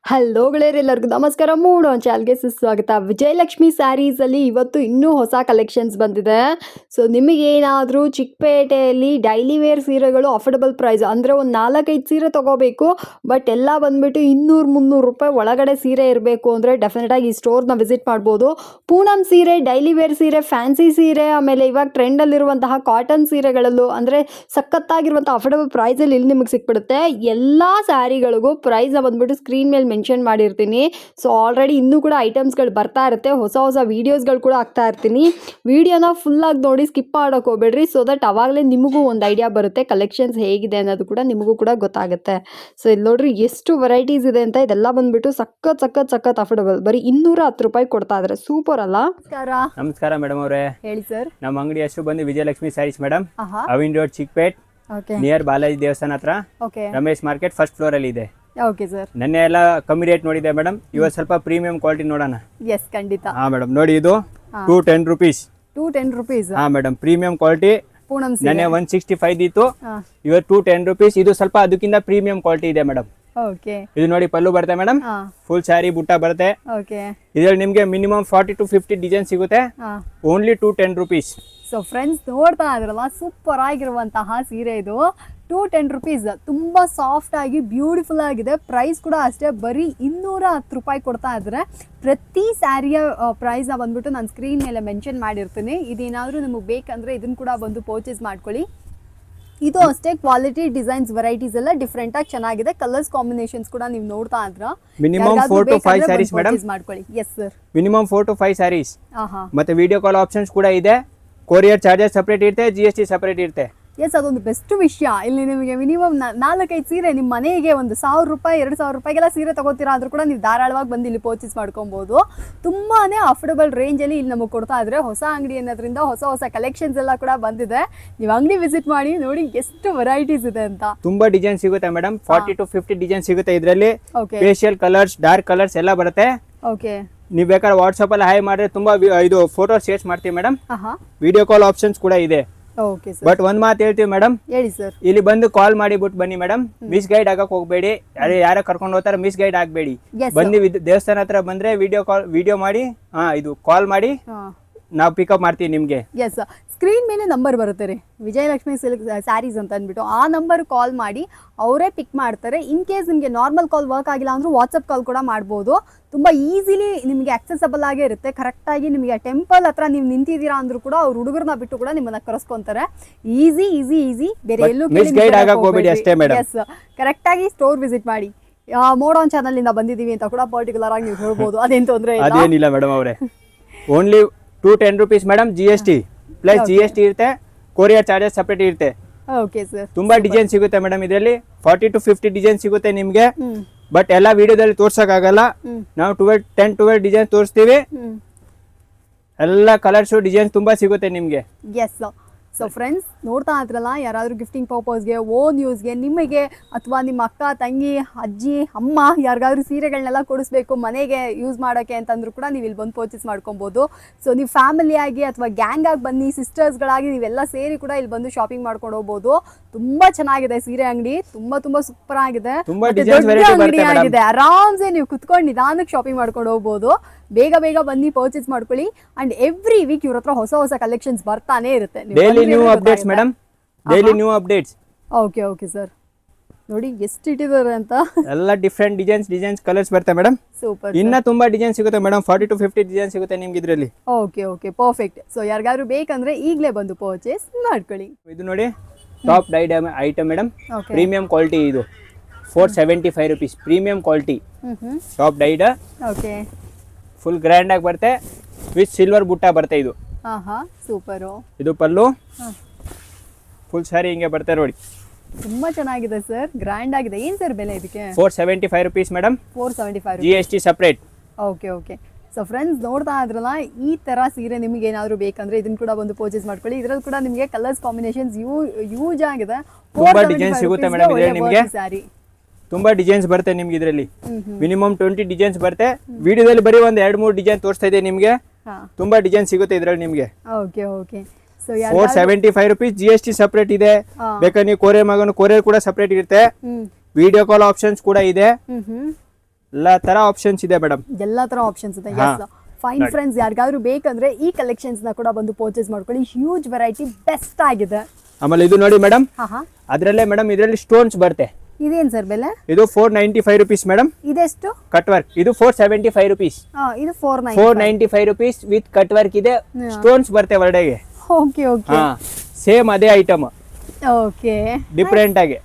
Hello ಗೆಳೆಯರೆ, ಎಲ್ಲರಿಗೂ ನಮಸ್ಕಾರ. ಮೂಡೋ ಚಾನಲ್ಗೆ ಸುಸ್ವಾಗತ. ವಿಜಯಲಕ್ಷ್ಮಿ ಸ್ಯಾರೀಸಲ್ಲಿ ಇವತ್ತು ಇನ್ನೂ ಹೊಸ ಕಲೆಕ್ಷನ್ಸ್ ಬಂದಿದೆ. ಸೊ ನಿಮಗೇನಾದರೂ ಚಿಕ್ಕಪೇಟೆಯಲ್ಲಿ ಡೈಲಿ ವೇರ್ ಸೀರೆಗಳು ಅಫೋರ್ಡಬಲ್ ಪ್ರೈಸ್ ಅಂದರೆ ಒಂದು 4-5 ಸೀರೆ ತೊಗೋಬೇಕು, ಬಟ್ ಎಲ್ಲ ಬಂದುಬಿಟ್ಟು 200-300 ರೂಪಾಯಿ ಒಳಗಡೆ ಸೀರೆ ಇರಬೇಕು ಅಂದರೆ ಡೆಫಿನೆಟಾಗಿ ಈ ಸ್ಟೋರ್ನ ವಿಸಿಟ್ ಮಾಡ್ಬೋದು. ಪೂನಂ ಸೀರೆ, ಡೈಲಿ ವೇರ್ ಸೀರೆ, ಫ್ಯಾನ್ಸಿ ಸೀರೆ, ಆಮೇಲೆ ಇವಾಗ ಟ್ರೆಂಡಲ್ಲಿರುವಂತಹ ಕಾಟನ್ ಸೀರೆಗಳಲ್ಲೂ ಅಂದರೆ ಸಖತ್ತಾಗಿರುವಂಥ ಅಫೋರ್ಡಬಲ್ ಪ್ರೈಸಲ್ಲಿ ಇಲ್ಲಿ ನಿಮಗೆ ಸಿಕ್ಬಿಡುತ್ತೆ. ಎಲ್ಲ ಸ್ಯಾರಿಗಳಿಗೂ ಪ್ರೈಸ್ನ ಬಂದುಬಿಟ್ಟು ಸ್ಕ್ರೀನ್ ಮೇಲೆ ಮೆನ್ಷನ್ ಮಾಡಿರ್ತೀನಿ. ಸೊ ಆಲ್ರೆಡಿ ಇನ್ನೂ ಕೂಡ ಐಟಮ್ಸ್ಗಳು ಬರ್ತಾ ಇರುತ್ತೆ, ಹೊಸ ಹೊಸ ವೀಡಿಯೋಸ್ಗಳು ಕೂಡ ಆಗ್ತಾ ಇರ್ತೀನಿ. ವೀಡಿಯೋನ ಫುಲ್ಲಾಗಿ ನೋಡಿ ಸ್ಕಿಪ್ ಮಾಡೋಕೆ ಹೋಗ್ಬೇಡ್ರಿ, ಸೊ ದಟ್ ಅವಾಗಲೇ ನಿಮಗೂ ಒಂದು ಐಡಿಯಾ ಬರುತ್ತೆ ಕಲೆಕ್ಷನ್ಸ್ ಹೇಗಿದೆ ಅನ್ನೋದು ಕೂಡ ನಿಮಗೂ ಕೂಡ ಗೊತ್ತಾಗುತ್ತೆ. ಸೊ ಇಲ್ಲಿ ನೋಡ್ರಿ ಎಷ್ಟು ವೆರೈಟೀಸ್ ಇದೆ ಅಂತ. ಇದೆಲ್ಲ ಬಂದುಬಿಟ್ಟು ಸಖತ್ ಅಫೋರ್ಡಬಲ್, ಬರೀ 210 ರೂಪಾಯಿ ಕೊಡ್ತಾ ಇದ್ದಾರೆ. ಸೂಪರ್ ಅಲ್ಲ? ನಮಸ್ಕಾರ ಮೇಡಮ್ ಅವರೇ, ಹೇಳಿ ಸರ್. ನಮ್ಮ ಅಂಗಡಿ ಹೆಸರು ಬಂದು Vijayalakshmi sarees madam, Avenue Road, Chickpet, near Balaji ದೇವಸ್ಥಾನ ಹತ್ರ, ರಮೇಶ್ ಮಾರ್ಕೆಟ್, ಫಸ್ಟ್ ಫ್ಲೋರ್ ಅಲ್ಲಿ ಇದೆ. Okay sir. ನೆನ್ನೆ ಎಲ್ಲ ಕಮ್ಮಿ ರೇಟ್ ನೋಡಿದೆ ಮೇಡಮ್, ಇವತ್ತು ಸ್ವಲ್ಪ ಪ್ರೀಮಿಯಂ ಕ್ವಾಲಿಟಿ ನೋಡೋಣ. ಎಸ್, ಖಂಡಿತ. ಹಾ ಮೇಡಮ್, ನೋಡಿ ಇದು 210 ರೂಪೀಸ್. 210 ರೂಪೀಸ್? ಹಾ ಮೇಡಮ್, ಪ್ರೀಮಿಯಂ ಕ್ವಾಲಿಟಿ. ನೆನ್ನೆ 165 ಇತ್ತು, ಇವತ್ತು 210 ರೂಪೀಸ್. ಇದು ಸ್ವಲ್ಪ ಅದಕ್ಕಿಂತ ಪ್ರೀಮಿಯಂ ಕ್ವಾಲಿಟಿ ಇದೆ ಮೇಡಮ್. ಓಕೆ. ಇದು ನೋಡಿ ಪಲ್ಲು ಬರುತ್ತೆ ಮೇಡಮ್, ಫುಲ್ ಸ್ಯಾರಿ ಬುಟ್ಟ ಬರುತ್ತೆ. ಓಕೆ. ಇದ್ರಲ್ಲಿ ನಿಮ್ಗೆ ಮಿನಿಮಮ್ 40 to 50 ಡಿಸೈನ್ ಸಿಗುತ್ತೆ, ಓನ್ಲಿ 210 ರೂಪೀಸ್. ಸೊ ಫ್ರೆಂಡ್ಸ್, ನೋಡ್ತಾ ಇದ್ರಲ್ಲ, ಸೂಪರ್ ಆಗಿರುವಂತಹ ಸೀರೆ ಇದು. 210 ರೂಪೀಸ್, ತುಂಬ ಸಾಫ್ಟ್ ಆಗಿ ಬ್ಯೂಟಿಫುಲ್ ಆಗಿದೆ. ಪ್ರೈಸ್ ಕೂಡ ಅಷ್ಟೇ, ಬರೀ 210 ರೂಪಾಯಿ ಕೊಡ್ತಾ ಇದ್ದಾರೆ. ಪ್ರತಿ ಸ್ಯಾರಿಯ ಪ್ರೈಸ್ನ ಬಂದ್ಬಿಟ್ಟು ನಾನು ಸ್ಕ್ರೀನ್ ಮೇಲೆ ಮೆನ್ಷನ್ ಮಾಡಿರ್ತೀನಿ. ಇದೇನಾದರೂ ನಿಮಗೆ ಬೇಕಂದರೆ ಇದನ್ನು ಕೂಡ ಬಂದು ಪರ್ಚೇಸ್ ಮಾಡ್ಕೊಳ್ಳಿ. ಇದು ಅಷ್ಟೇ, ಕ್ವಾಲಿಟಿ, ಡಿಸೈನ್ಸ್, ವೆರೈಟೀಸ್ ಎಲ್ಲ ಡಿಫ್ರೆಂಟ್ ಆಗಿ ಚೆನ್ನಾಗಿದೆ. ಕಲರ್ಸ್ ಕಾಂಬಿನೇಷನ್ಸ್ ಕೂಡ ನೀವು ನೋಡ್ತಾ ಇದ್ರ. ಮಿನಿಮಮ್ 4 to 5 ಸ್ಯಾರೀಸ್ ಮೇಡಮ್ ಮಾಡ್ಕೊಳ್ಳಿ. Yes sir, minimum 4 to 5 sarees. ಮತ್ತೆ ವಿಡಿಯೋ ಕಾಲ್ ಆಪ್ಷನ್ಸ್ ಕೂಡ ಇದೆ. ಕೊರಿಯರ್ ಚಾರ್ಜಸ್ ಸಪರೇಟ್ ಇರುತ್ತೆ, GST ಸಪರೇಟ್ ಇರುತ್ತೆ. ಎಸ್, ಅದೊಂದು ಬೆಸ್ಟ್ ವಿಷಯ. ಇಲ್ಲಿ ನಿಮಗೆ ಮಿನಿಮಮ್ 4-5 ಸೀರೆ ನಿಮ್ಮ ಮನೆಗೆ ಒಂದು 1000 ರೂಪಾಯಿ 2000 ರೂಪಾಯಿಗೆಲ್ಲ ಸೀರೆ ತಗೋತೀರಾ ಆದ್ರೂ ಕೂಡ ನೀವು ಧಾರಾಳವಾಗಿ ಬಂದು ಇಲ್ಲಿ ಪರ್ಚೇಸ್ ಮಾಡ್ಕೊಬೋದು. ತುಂಬಾ ಅಫೋರ್ಡಬಲ್ ರೇಂಜಲ್ಲಿ ಇಲ್ಲಿ ನಮಗೆ ಕೊಡ್ತಾ ಇದ್ರೆ. ಹೊಸ ಅಂಗಡಿ ಅನ್ನೋದ್ರಿಂದ ಹೊಸ ಕಲೆಕ್ಷನ್ಸ್ ಎಲ್ಲ ಕೂಡ ಬಂದಿದೆ. ನೀವು ಅಂಗಡಿ ವಿಸಿಟ್ ಮಾಡಿ ನೋಡಿ ಎಷ್ಟು ವೆರೈಟೀಸ್ ಇದೆ ಅಂತ. ತುಂಬಾ ಡಿಸೈನ್ ಸಿಗುತ್ತೆ ಮೇಡಮ್, 40 to 50 ಡಿಸೈನ್ ಸಿಗುತ್ತೆ ಇದರಲ್ಲಿ. ಫೇಶಿಯಲ್ ಕಲರ್ಸ್, ಡಾರ್ಕ್ ಕಲರ್ಸ್ ಎಲ್ಲ ಬರುತ್ತೆ. ಓಕೆ. ನೀವು ಬೇಕಾದ್ರೆ ವಾಟ್ಸ್ಆಪ್ ಅಲ್ಲಿ ಹಾಯ್ ಮಾಡಿದ್ರೆ ತುಂಬಾ ಇದು ಫೋಟೋ ಶೇರ್ ಮಾಡ್ತೀವಿ ಮೇಡಮ್. ವಿಡಿಯೋ ಕಾಲ್ ಆಪ್ಷನ್ಸ್ ಕೂಡ ಇದೆ. Okay sir. ಬಟ್ ಒಂದ್ ಮಾತು ಹೇಳ್ತೀವಿ ಮೇಡಮ್, ಹೇಳಿ ಸರ್. ಇಲ್ಲಿ ಬಂದು ಕಾಲ್ ಮಾಡಿ ಬಿಟ್ಟು ಬನ್ನಿ ಮೇಡಮ್, ಮಿಸ್ ಗೈಡ್ ಆಗಕ್ ಹೋಗ್ಬೇಡಿ. ಯಾರ ಕರ್ಕೊಂಡು ಹೋಗ್ತಾರೆ ಮಿಸ್ ಗೈಡ್ ಆಗ್ಬೇಡಿ. ಬಂದು ದೇವಸ್ಥಾನ ಹತ್ರ ಬಂದ್ರೆ ವಿಡಿಯೋ ಮಾಡಿ, ಇದು ಕಾಲ್ ಮಾಡಿ, ನಾವು ಪಿಕಪ್ ಮಾಡ್ತೀವಿ ನಿಮ್ಗೆ. ಎಸ್, ಸ್ಕ್ರೀನ್ ಮೇಲೆ ನಂಬರ್ ಬರುತ್ತೆ ರೀ, ವಿಜಯಲಕ್ಷ್ಮಿ ಸಿಲ್ಕ್ ಸ್ಯಾರೀಸ್ ಅಂತ ಅಂದ್ಬಿಟ್ಟು. ಆ ನಂಬರ್ ಕಾಲ್ ಮಾಡಿ ಅವರೇ ಪಿಕ್ ಮಾಡ್ತಾರೆ. ಇನ್ ಕೇಸ್ ನಿಮಗೆ ನಾರ್ಮಲ್ ಕಾಲ್ ವರ್ಕ್ ಆಗಿಲ್ಲ ಅಂದ್ರೂ ವಾಟ್ಸಪ್ ಕಾಲ್ ಕೂಡ ಮಾಡ್ಬೋದು. ತುಂಬ ಈಸಿಲಿ ನಿಮಗೆ ಆಕ್ಸೆಸಬಲ್ ಆಗೇ ಇರುತ್ತೆ. ಕರೆಕ್ಟಾಗಿ ನಿಮಗೆ ಟೆಂಪಲ್ ಹತ್ರ ನೀವು ನಿಂತಿದ್ದೀರಾ ಅಂದ್ರೂ ಕೂಡ ಅವ್ರು ಹುಡುಗರನ್ನ ಬಿಟ್ಟು ಕೂಡ ನಿಮ್ಮನ್ನ ಕರೆಸ್ಕೊಂತಾರೆ. ಈಸಿ, ಬೇರೆ ಎಲ್ಲೂ ಎಸ್, ಕರೆಕ್ಟಾಗಿ ಸ್ಟೋರ್ ವಿಸಿಟ್ ಮಾಡಿ. ಮೋಡೋನ್ ಚಾನಲ್ ಇಂದ ಬಂದಿದ್ದೀವಿ ಅಂತ ಕೂಡ ಪರ್ಟಿಕ್ಯುಲರ್ ಆಗಿ ನೀವು ಹೇಳ್ಬೋದು, ಅದೇನು ತೊಂದರೆ ಅದೇನಿಲ್ಲ ಮೇಡಮ್ ಅವರೇ. Only 210 rupees madam, GST plus GST ಇರುತ್ತೆ, ಕೊರಿಯರ್ ಚಾರ್ಜಸ್ ಸಪರೇಟ್ ಇರುತ್ತೆ. Okay sir. ತುಂಬಾ ಡಿಸೈನ್ ಸಿಗುತ್ತೆ ಮೇಡಮ್ ಇದರಲ್ಲಿ, 40 to 50 ಡಿಸೈನ್ ಸಿಗುತ್ತೆ ನಿಮ್ಗೆ. ಬಟ್ ಎಲ್ಲ ವಿಡಿಯೋದಲ್ಲಿ ತೋರ್ಸಕ್ ಆಗಲ್ಲ, ನಾವು 10-12 ಡಿಸೈನ್ ತೋರಿಸ್ತೀವಿ. ಎಲ್ಲ ಕಲರ್ಸ್ ಡಿಸೈನ್ ತುಂಬಾ ಸಿಗುತ್ತೆ ನಿಮ್ಗೆ. ಎಸ್. ಸೊ ಫ್ರೆಂಡ್ಸ್, ನೋಡ್ತಾ ಇದ್ರಲ್ಲ, ಯಾರಾದರೂ ಗಿಫ್ಟಿಂಗ್ ಪರ್ಪಸ್ಗೆ, ಓನ್ ಯೂಸ್ಗೆ, ನಿಮಗೆ ಅಥವಾ ನಿಮ್ಮ ಅಕ್ಕ, ತಂಗಿ, ಅಜ್ಜಿ, ಅಮ್ಮ ಯಾರಿಗಾದ್ರೂ ಸೀರೆಗಳನ್ನೆಲ್ಲ ಕೊಡಿಸ್ಬೇಕು ಮನೆಗೆ ಯೂಸ್ ಮಾಡೋಕ್ಕೆ ಅಂತಂದ್ರೂ ಕೂಡ ನೀವು ಇಲ್ಲಿ ಬಂದು ಪರ್ಚೇಸ್ ಮಾಡ್ಕೊಬೋದು. ಸೊ ನೀವು ಫ್ಯಾಮಿಲಿಯಾಗಿ ಅಥವಾ ಗ್ಯಾಂಗ್ ಆಗಿ ಬನ್ನಿ, ಸಿಸ್ಟರ್ಸ್ಗಳಾಗಿ ನೀವೆಲ್ಲ ಸೇರಿ ಕೂಡ ಇಲ್ಲಿ ಬಂದು ಶಾಪಿಂಗ್ ಮಾಡ್ಕೊಂಡು ಹೋಗ್ಬೋದು. ತುಂಬಾ ಚೆನ್ನಾಗಿದೆ ಸೀರೆ ಅಂಗಡಿ, ತುಂಬಾ ಸೂಪರ್ ಆಗಿದೆ, ಅಂಗಡಿ ಆಗಿದೆ. ಆರಾಮ್ಸೆ ನೀವು ಕುತ್ಕೊಂಡು ನಿಧಾನಕ್ಕೆ ಶಾಪಿಂಗ್ ಮಾಡ್ಕೊಂಡು ಹೋಗ್ಬೋದು. ಬೇಗ ಬನ್ನಿ ಪರ್ಚೇಸ್ ಮಾಡ್ಕೊಳ್ಳಿ. ಅಂಡ್ ಎವ್ರಿ ವೀಕ್ ಇವ್ರ ಹತ್ರ ಹೊಸ ಕಲೆಕ್ಷನ್ಸ್ ಬರ್ತಾನೆ ಇರುತ್ತೆ. Daily new updates madam, daily new updates. Okay sir. ನೋಡಿ ಎಷ್ಟು ಇಟ್ಟಿದ್ದಾರೆ ಅಂತ. ಎಲ್ಲ ಡಿಫ್ರೆಂಟ್ ಡಿಸೈನ್ಸ್ ಕಲರ್ಸ್ ಬರುತ್ತೆ ಮೇಡಮ್. ಸೂಪರ್. ಇನ್ನ ತುಂಬಾ ಡಿಸೈನ್ ಸಿಗುತ್ತೆ ಮೇಡಮ್, 40 to 50 ಡಿಸೈನ್ ಸಿಗುತ್ತೆ ನಿಮ್ಗೆ ಇದರಲ್ಲಿ. Okay, perfect. ಸೊ ಯಾರಿಗಾದ್ರೂ ಬೇಕಂದ್ರೆ ಈಗಲೇ ಬಂದು ಪರ್ಚೇಸ್ ಮಾಡ್ಕೊಳ್ಳಿ. ಇದು ನೋಡಿ top dyed item madam, premium quality. ಇದು 475 rupees, premium quality top dyed. Okay. Full grand ಆಗಿ ಬರುತ್ತೆ, ವಿತ್ ಸಿಲ್ವರ್ ಬುಟ್ಟ ಬರುತ್ತೆ. ಇದು ಸೂಪರ್. ಇದು ಪಲ್ಲು, ಫುಲ್ ಸಾರಿ ಹಿಂಗೆ ಬರುತ್ತೆ ನೋಡಿ. ತುಂಬಾ ಚೆನ್ನಾಗಿದೆ ಸರ್, ಗ್ರ್ಯಾಂಡ್ ಆಗಿದೆ. ಏನ್ ಸರ್ ಬೆಲೆ ಇದಕ್ಕೆ? 475 rupees madam, 475, GST separate. Okay. So friends, ನೋಡ್ತಾ ಇದ್ರಲ್ಲ, ಈ ತರ ಸೀರೆ ನಿಮಗೆ ಏನಾದ್ರು ಬೇಕಂದ್ರೆ ಇದನ್ನ ಕೂಡ ಬಂದು ಪರ್ಚೇಸ್ ಮಾಡ್ಕೊಳ್ಳಿ. ಇದ್ರಲ್ಲಿ ಕೂಡ ನಿಮಗೆ ಕಲರ್ಸ್ ಕಾಂಬಿನೇಷನ್ಸ್ ಯೂಸ್ ಆಗಿದೆ. ತುಂಬಾ ಡಿಸೈನ್ ಸಿಗುತ್ತೆ ಮೇಡಮ್ ಇದರಲ್ಲಿ ನಿಮಗೆ. ತುಂಬಾ ಡಿಸೈನ್ಸ್ ಬರುತ್ತೆ ನಿಮ್ಗೆ ಇದರಲ್ಲಿ, ಮಿನಿಮಮ್ 20 ಡಿಸೈನ್ಸ್ ಬರುತ್ತೆ. ವಿಡಿಯೋದಲ್ಲಿ ಬರೀ ಒಂದು 2-3 ಡಿಸೈನ್ ತೋರಿಸ್ತಾ ಇದೆ ನಿಮ್ಗೆ. ತುಂಬಾ ಡಿಸೈನ್ ಸಿಗುತ್ತೆ ಇದರಲ್ಲಿ ನಿಮ್ಗೆ. ಓಕೆ. 475 ರೂಪೀಸ್, GST ಸಪರೇಟ್ ಇದೆ. ಬೇಕಾದ್ರೆ ನೀವು ಕೊರಿಯರ್ ಕೂಡ ಸಪರೇಟ್ ಇರುತ್ತೆ. ವಿಡಿಯೋ ಕಾಲ್ ಆಪ್ಷನ್ಸ್ ಕೂಡ ಇದೆ. ಎಲ್ಲಾ ತರ ಆಪ್ಷನ್ಸ್ ಇದೆ ಮೇಡಮ್. ಎಲ್ಲ ತರ ಆಪ್ಷನ್ಸ್ ಇದೆ. ಎಸ್ ಫೈನ್ ಫ್ರೆಂಡ್ಸ್, ಯಾರಿಗಾದ್ರೂ ಬೇಕಂದ್ರೆ ಈ ಕಲೆಕ್ಷನ್ಸ್ ನ ಕೂಡ ಬಂದು ಪರ್ಚೇಸ್ ಮಾಡ್ಕೊಳ್ಳಿ. ಹ್ಯೂಜ್ ವೆರೈಟಿ, ಬೆಸ್ಟ್ ಆಗಿದೆ. ಆಮೇಲೆ ಇದು ನೋಡಿ ಮೇಡಮ್, ಹಾ ಅದ್ರಲ್ಲೇ ಮೇಡಮ್ ಇದರಲ್ಲಿ ಸ್ಟೋನ್ಸ್ ಬರುತ್ತೆ. ಇದೇನ್ ಸರ್ ಬೆಲೆ? ಇದು 495 rupees ಮೇಡಮ್. ಇದೆಷ್ಟು? Cut work. ಇದು 475 rupees. ಇದು 495 rupees ವಿತ್ ಕಟ್ ವರ್ಕ್ ಇದೆ. ಸ್ಟೋನ್ಸ್ ಬರುತ್ತೆ ಹೊರಡೆಗೆ. Okay okay. ಸೇಮ್ ಅದೇ ಐಟಮ್, ಓಕೆ, ಡಿಫರೆಂಟ್ ಆಗಿ.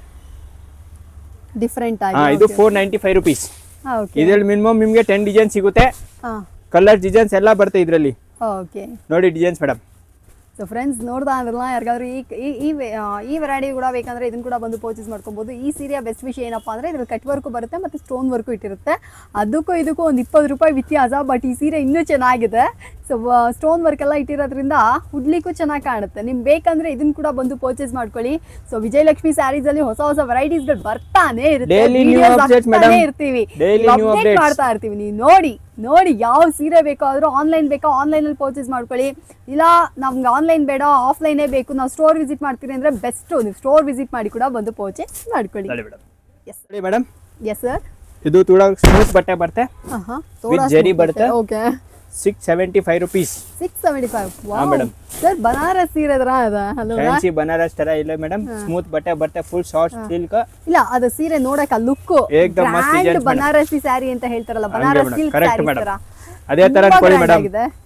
ಡಿಫರೆಂಟ್ ಆಗಿ. ಇದು 495 rupees. ಓಕೆ. ಇದ್ರಲ್ಲಿ ಮಿನಿಮಮ್ ನಿಮ್ಗೆ 10 ಡಿಸೈನ್ ಸಿಗುತ್ತೆ. ಕಲರ್ ಡಿಸೈನ್ಸ್ ಎಲ್ಲ ಬರುತ್ತೆ ಇದರಲ್ಲಿ. ಓಕೆ, ನೋಡಿ ಡಿಸೈನ್ಸ್ ಮೇಡಮ್. ಸೊ ಫ್ರೆಂಡ್ಸ್, ನೋಡ್ತಾ ಇದ್ರಲ್ಲ, ಯಾರಿಗಾದ್ರೂ ಈ ವೆರೈಟಿ ಕೂಡ ಬೇಕಂದ್ರೆ ಇದನ್ನ ಕೂಡ ಬಂದು ಪರ್ಚೇಸ್ ಮಾಡ್ಕೊಬೋದು. ಈ ಸೀರೆಯ ಬೆಸ್ಟ್ ವಿಷಯ ಏನಪ್ಪ ಅಂದರೆ ಇದ್ರಲ್ಲಿ ಕಟ್ ವರ್ಕು ಬರುತ್ತೆ ಮತ್ತು ಸ್ಟೋನ್ ವರ್ಕು ಇಟ್ಟಿರುತ್ತೆ. ಅದಕ್ಕೂ ಇದಕ್ಕೂ ಒಂದು 20 ರೂಪಾಯಿ ವ್ಯತ್ಯಾಸ. ಬಟ್ ಈ ಸೀರೆ ಇನ್ನೂ ಚೆನ್ನಾಗಿದೆ. ಸೊ ಸ್ಟೋನ್ ವರ್ಕ್ ಎಲ್ಲ ಇಟ್ಟಿರೋದ್ರಿಂದ ಉಡ್ಲಿಕ್ಕೂ ಚೆನ್ನಾಗಿ ಕಾಣುತ್ತೆ. ನಿಮ್ಗೆ ಬೇಕಂದ್ರೆ ಇದನ್ನ ಕೂಡ ಬಂದು ಪರ್ಚೇಸ್ ಮಾಡ್ಕೊಳ್ಳಿ. ಸೊ ವಿಜಯಲಕ್ಷ್ಮಿ ಸ್ಯಾರೀಸ್ ಅಲ್ಲಿ ಹೊಸ ಹೊಸ ವೆರೈಟೀಸ್ಗಳು ಬರ್ತಾನೆ ಇರುತ್ತೆ, ಇರ್ತೀವಿ, ಅಪ್ಡೇಟ್ ಮಾಡ್ತಾ ಇರ್ತೀವಿ. ನೀವು ನೋಡಿ ಯಾವ ಸೀರೆ ಬೇಕಾದ್ರೂ ಆನ್ಲೈನ್ ಬೇಕಾ ಆನ್ಲೈನಲ್ಲಿ ಪರ್ಚೇಸ್ ಮಾಡ್ಕೊಳ್ಳಿ. ಇಲ್ಲ ನಮ್ಗೆ ಆನ್ಲೈನ್ ಬೇಡ ಆಫ್ಲೈನೇ ಬೇಕು, ನಾವು ಸ್ಟೋರ್ ವಿಸಿಟ್ ಮಾಡ್ತೀರಿ ಅಂದರೆ ಬೆಸ್ಟು, ನೀವು ಸ್ಟೋರ್ ವಿಸಿಟ್ ಮಾಡಿ ಕೂಡ ಬಂದು ಪರ್ಚೇಸ್ ಮಾಡ್ಕೊಳ್ಳಿ. Yes madam. Yes sir. ಇದು ಥೋड़ा ಸ್ಮೂತ್ ಬಟ್ಟೆ ಬರುತ್ತೆ, ವಿತ್ ಜರಿ ಬರುತ್ತೆ. Okay, 675 rupees. 675. Wow madam. Sir Banaras ಸೀರೆ ತರ ಅದ. ಹಲೋ, ಫ್ಯಾನ್ಸಿ ಬನಾರಸ್ ತರ ಇಲ್ಲ ಮೇಡಮ್. ಸ್ಮೂತ್ ಬಟ್ಟೆ ಬರುತ್ತೆ, ಫುಲ್ ಸಾಫ್ಟ್ ಸಿಲ್ಕ್. ಇಲ್ಲ ಅದು ಸೀರೆ ನೋಡಕ ಲುಕ್ ಏಕದಮ್ ಮಸ್ತ್ ಇದೆ. ಬನಾರಸಿ ಸ್ಯಾರಿ ಅಂತ ಹೇಳ್ತಾರಲ್ಲ, ಬನಾರಸ್ ಸಿಲ್ಕ್ ಸ್ಯಾರಿ ತರ ಅದೇ ತರ ಅನ್ಕೊಳ್ಳಿ madam.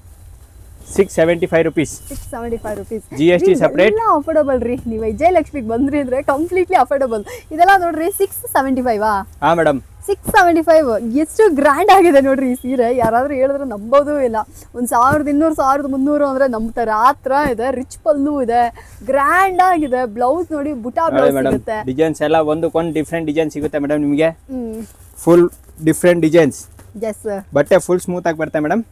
675 rupees. 675 rupees. GST separate. ಎಲ್ಲ ಅಫೋರ್ಡಬಲ್ ರೀ. ನೀವು ವಿಜಯಲಕ್ಷ್ಮಿಗೆ ಬಂದ್ರಿ ಅಂದ್ರೆ ಕಂಪ್ಲೀಟ್ಲಿ ಅಫೋರ್ಡಬಲ್. ಇದೆಲ್ಲ ನೋಡ್ರಿ 675. ಹಾ ಮೇಡಮ್, 675. ಎಷ್ಟು ಗ್ರ್ಯಾಂಡ್ ಆಗಿದೆ ನೋಡ್ರಿ ಈ ಸೀರೆ. ಯಾರಾದ್ರೂ ಹೇಳಿದ್ರೆ ನಂಬೋದೂ ಇಲ್ಲ. ಒಂದು 1200 1300 ಅಂದ್ರೆ ನಂಬ್ತಾರೆ. ಆ ಥರ ಇದೆ. ರಿಚ್ ಪಲ್ಲು ಇದೆ, ಗ್ರ್ಯಾಂಡ್ ಆಗಿದೆ. ಬ್ಲೌಸ್ ನೋಡಿ, ಬುಟಾ ಬ್ಲೌಸ್ ಸಿಗುತ್ತೆ. ಡಿಸೈನ್ಸ್ ಎಲ್ಲ ಒಂದಕ್ಕೊಂದು ಡಿಫ್ರೆಂಟ್ ಡಿಸೈನ್ ಸಿಗುತ್ತೆ ಮೇಡಮ್ ನಿಮಗೆ. Full different designs. ಎಸ್, ಬಟ್ಟೆ ಫುಲ್ ಸ್ಮೂತ್ ಆಗಿ ಬರುತ್ತೆ madam.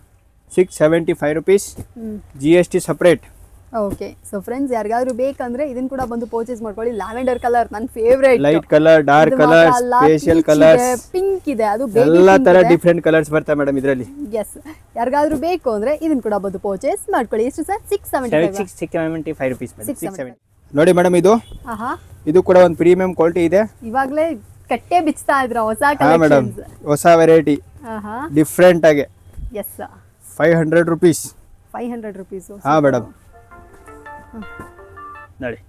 675 rupees. GST separate. Okay. So friends, ಯಾರಿಗಾದ್ರೂ ಬೇಕಂದ್ರೆ ಇದನ್ನ ಕೂಡ ಬಂದು ಪರ್ಚೇಸ್ ಮಾಡ್ಕೊಳ್ಳಿ. ಲ್ಯಾವೆಂಡರ್ ಕಲರ್ ನನ್ನ favourite. Light colour, dark colour, special colours, pink ಇದೆ, ಅದು ಎಲ್ಲ ತರ ಡಿಫರೆಂಟ್ ಕಲರ್ಸ್ ಬರ್ತವೆ ಮೇಡಮ್ ಇದರಲ್ಲಿ. ಎಸ್, ಯಾರಿಗಾದ್ರೂ ಬೇಕು ಅಂದ್ರೆ ಇದನ್ನ ಕೂಡ ಬಂದು ಪರ್ಚೇಸ್ ಮಾಡ್ಕೊಳ್ಳಿ. ಎಷ್ಟು ಸರ್? 675 rupees madam. 670. ನೋಡಿ ಮೇಡಮ್, ಇದು ಕೂಡ ಒಂದು ಪ್ರೀಮಿಯಂ ಕ್ವಾಲಿಟಿ ಇದೆ. ಇವಾಗಲೇ ಕಟ್ಟೆ ಬಿಚ್ತಾ ಇದ್ರ ಹೊಸ ಮೇಡಮ್, ಹೊಸ ವೆರೈಟಿ, ಡಿಫರೆಂಟ್ ಆಗಿ. Yes, 500 rupees. 500 rupees. ಹಾ ಮೇಡಮ್, ನೋಡಿ.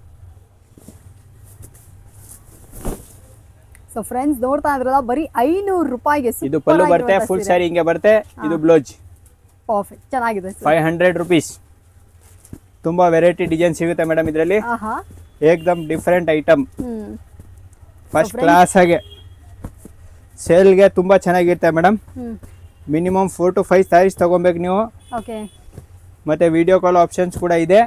ಸೊ ಫ್ರೆಂಡ್ಸ್, ನೋಡ್ತಾ ಇದ್ರಲ್ಲ, ಬರೀ 500 ರೂಪಾಯಿಗೆ ಇದು ಪಲ್ಲು ಬರುತ್ತೆ, ಫುಲ್ ಸ್ಯಾರಿ ಹಿಂಗೆ ಬರುತ್ತೆ. ಇದು ಬ್ಲೌಸ್. ಪರ್ಫೆಕ್ಟ್, ಚೆನ್ನಾಗಿದೆ. 500 rupees. ತುಂಬಾ ವೆರೈಟಿ ಡಿಸೈನ್ ಸಿಗುತ್ತೆ ಮೇಡಮ್ ಇದರಲ್ಲಿ. ಏಕದಮ್ ಡಿಫರೆಂಟ್ ಐಟಮ್, ಫಸ್ಟ್ ಕ್ಲಾಸ್ ಆಗಿ. ಸೇಲ್ಗೆ ತುಂಬಾ ಚೆನ್ನಾಗಿರುತ್ತೆ ಮೇಡಮ್. ಮಿನಿಮಮ್ 4 to 5 ಸ್ಯಾರೀಸ್ ತಗೊಬೇಕು ನೀವು. ಓಕೆ. ಮತ್ತೆ ವಿಡಿಯೋ ಕಾಲ್ ಆಪ್ಷನ್ಸ್ ಕೂಡ ಇದೆ.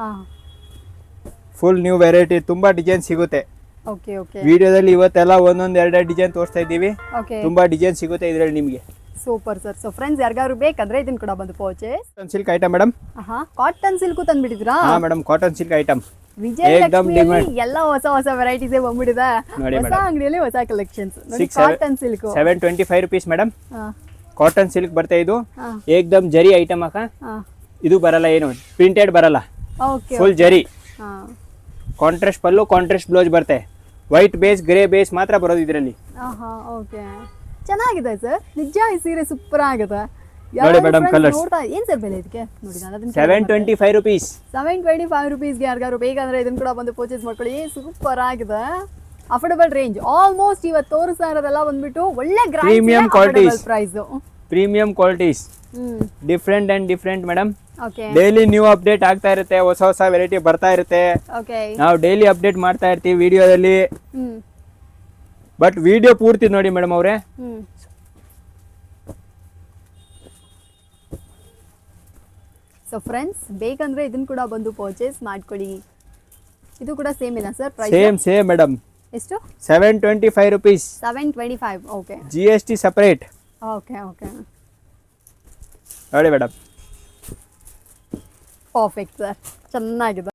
ಫುಲ್ ನ್ಯೂ ವೆರೈಟಿ, ತುಂಬಾ ಡಿಸೈನ್ ಸಿಗುತ್ತೆ. Okay okay. ವಿಡಿಯೋದಲ್ಲಿ ಇವತ್ತೆಲ್ಲ ಒಂದೊಂದು 2 ಡಿಸೈನ್ ತೋರಿಸ್ತಾ ಇದ್ದೀವಿ. ಓಕೆ. ತುಂಬಾ ಡಿಸೈನ್ ಸಿಗುತ್ತೆ ಇದರಲ್ಲಿ ನಿಮಗೆ. Super sir. ಸೊ ಫ್ರೆಂಡ್ಸ್, ಯಾರಿಗಾದ್ರು ಬೇಕಂದ್ರೆ ಇದನ್ನ ಕೂಡ ಬಂದು purchase. Cotton silk item madam. Cotton silk ತಂದ್ಬಿಟ್ಟಿದ್ರಾ? ಹಾ ಮೇಡಮ್, ಕಾಟನ್ ಸಿಲ್ಕ್ ಐಟಮ್. ವಿಜಯಲಕ್ಷ್ಮಿಯಲ್ಲಿ ಎಲ್ಲ ಹೊಸ ವೆರೈಟೀಸ್ ಬಂದ್ಬಿಟ್ಟಿದೆ. ಹೊಸ ಅಂಗಡಿಯಲ್ಲಿ ಹೊಸ collections. Cotton silk 725 rupees madam. Cotton silk ಬರುತ್ತೆ ಇದು. ಏಕದಮ್ ಜರಿ ಐಟಮ್ ಅಕ್ಕ. ಇದು ಬರಲ್ಲ, ಏನು ಪ್ರಿಂಟೆಡ್ ಬರಲ್ಲ, full zari. Contrast pallu, contrast blouse ಬರುತ್ತೆ. ವೈಟ್ ಬೇಸ್, ಗ್ರೇ ಬೇಸ್ ಮಾತ್ರ ಬರೋದು ಇದರಲ್ಲಿ. ಓಕೆ, ಚೆನ್ನಾಗಿದೆ ಸರ್. ನಿಜ ಈ ಸೀರೆ ಸೂಪರ್ ಆಗಿದೆ. ನೋಡಿ ಮೇಡಮ್, ಕಲರ್ಸ್. ಏನ್ ಸರ್ ಬೆಲೆ ಇದಕ್ಕೆ? ನೋಡಿ, ನಾನು ಅದನ್ನ 725 rupees. 725 rupeesಗೆ ಯಾರಿಗಾರು ಬೇಕಂದ್ರೆ ಇದನ್ನ ಕೂಡ ಬಂದು ಪರ್ಚೇಸ್ ಮಾಡ್ಕೊಳ್ಳಿ. ಸೂಪರ್ ಆಗಿದೆ, ಅಫೋರ್ಡಬಲ್ ರೇಂಜ್. ಆಲ್ಮೋಸ್ಟ್ ಇವತ್ತು ತೋರಿಸ್ತಾ ಇರೋದೆಲ್ಲ ಬಂದ್ಬಿಟ್ಟು ಒಳ್ಳೆ premium qualities. Price premium qualities, different and different madam. Okay. Daily new update ಆಗ್ತಾ ಇರುತ್ತೆ, ಹೊಸ ಹೊಸ ವೆರೈಟಿ ಬರ್ತಾ ಇರುತ್ತೆ. ಓಕೆ. ನಾವು ಡೈಲಿ ಅಪ್ಡೇಟ್ ಮಾಡ್ತಾ ಇರ್ತೀವಿ ವಿಡಿಯೋದಲ್ಲಿ. ಬಟ್ ವಿಡಿಯೋ ಪೂರ್ತಿ ನೋಡಿ ಮೇಡಮ್ ಅವರೇ. ಸೊ ಫ್ರೆಂಡ್ಸ್, ಬೇಕಂದ್ರೆ ಇದನ್ನ ಕೂಡ ಬಂದು ಪರ್ಚೇಸ್ ಮಾಡ್ಕೊಳ್ಳಿ. ಇದು ಕೂಡ ಸೇಮ್ ಇಲ್ಲ ಸರ್ ಪ್ರೈಸ್? Same madam. ಎಷ್ಟು? 725 rupees. 725. Okay. GST separate. Okay okay. ನೋಡಿ ಮೇಡಮ್, ಪರ್ಫೆಕ್ಟ್ ಸರ್, ಚೆನ್ನಾಗಿದೆ.